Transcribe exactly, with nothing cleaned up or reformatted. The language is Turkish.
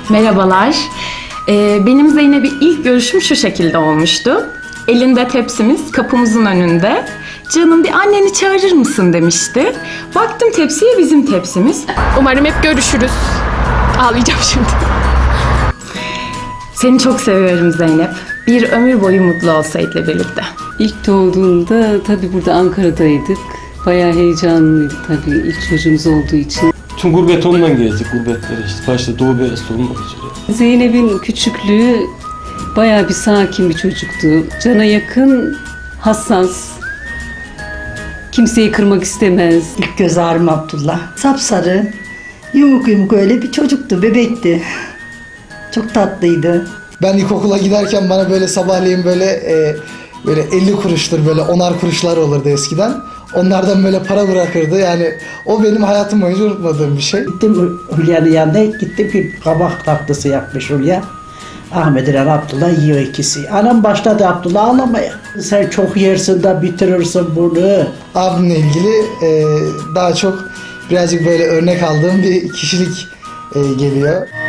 Merhabalar. Ee, benim Zeynep'le ilk görüşüm şu şekilde olmuştu. Elinde tepsimiz kapımızın önünde. Canım bir anneni çağırır mısın demişti. Baktım tepsiye bizim tepsimiz. Umarım hep görüşürüz. Ağlayacağım şimdi. Seni çok seviyorum Zeynep. Bir ömür boyu mutlu ol Sait'le birlikte. İlk doğduğunda tabii burada Ankara'daydık. Bayağı heyecanlıydı tabii ilk çocuğumuz olduğu için. Tüm gurbet ondan gelecek, gurbetler işte. Başta Doğu Beyazıt olmak üzere. Zeynep'in küçüklüğü bayağı bir sakin bir çocuktu. Cana yakın, hassas. Kimseyi kırmak istemez. İlk göz ağrım Abdullah. Sapsarı, yumuk yumuk öyle bir çocuktu, bebekti. Çok tatlıydı. Ben ilkokula giderken bana böyle sabahleyin böyle e, böyle elli kuruştur böyle onar kuruşlar olurdu eskiden. Onlardan böyle para bırakırdı. Yani o benim hayatım boyunca unutmadığım bir şey. Gittim Hülya'nın yanına, gittim bir kabak tatlısı yapmış Hülya. Ahmet İren Abdullah yiyor ikisi. Anam başladı Abdullah ağlamaya. Sen çok yersin de bitirirsin bunu. Abimle ilgili e, daha çok birazcık böyle örnek aldığım bir kişilik e, geliyor.